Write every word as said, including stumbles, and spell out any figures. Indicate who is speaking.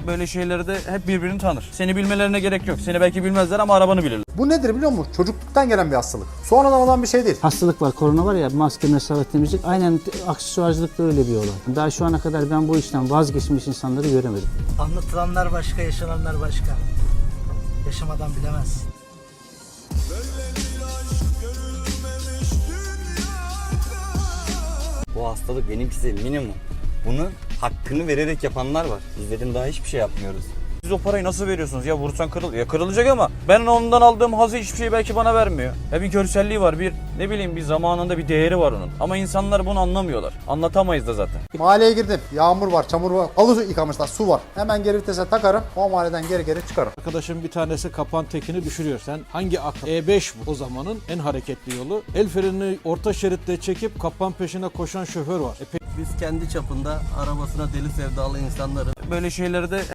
Speaker 1: Böyle şeyleri de hep birbirini tanır. Seni bilmelerine gerek yok. Seni belki bilmezler ama arabanı bilirler.
Speaker 2: Bu nedir biliyor musun? Çocukluktan gelen bir hastalık. Sonradan olan bir şey değil.
Speaker 3: Hastalık var, korona var ya, maske, mesafe, temizlik, aynen aksesuarcılık da öyle bir olay. Daha şu ana kadar ben bu işten vazgeçmiş insanları göremedim.
Speaker 4: Anlatılanlar başka, yaşananlar başka. Yaşamadan bilemezsin.
Speaker 5: Bu hastalık benimkisi minimum. Bunu hakkını vererek yapanlar var. Bizlerin daha hiçbir şey yapmıyoruz.
Speaker 1: Siz o parayı nasıl veriyorsunuz? Ya vursan kırıl ya kırılacak ama ben ondan aldığım hazı hiçbir şey belki bana vermiyor. Ya bir görselliği var, bir ne bileyim bir zamanında bir değeri var onun. Ama insanlar bunu anlamıyorlar. Anlatamayız da zaten.
Speaker 2: Mahalleye girdim. Yağmur var, çamur var. Halı yıkamışlar, su var. Hemen geri vitese takarım. O mahalleden geri geri çıkarım.
Speaker 6: Arkadaşım bir tanesi kapan tekini düşürüyor. Sen hangi akıl? E beş bu o zamanın en hareketli yolu. El frenini orta şeritte çekip kapan peşine koşan şoför var. E
Speaker 7: Biz kendi çapında arabasına deli sevdalı insanları
Speaker 1: Böyle şeyleri de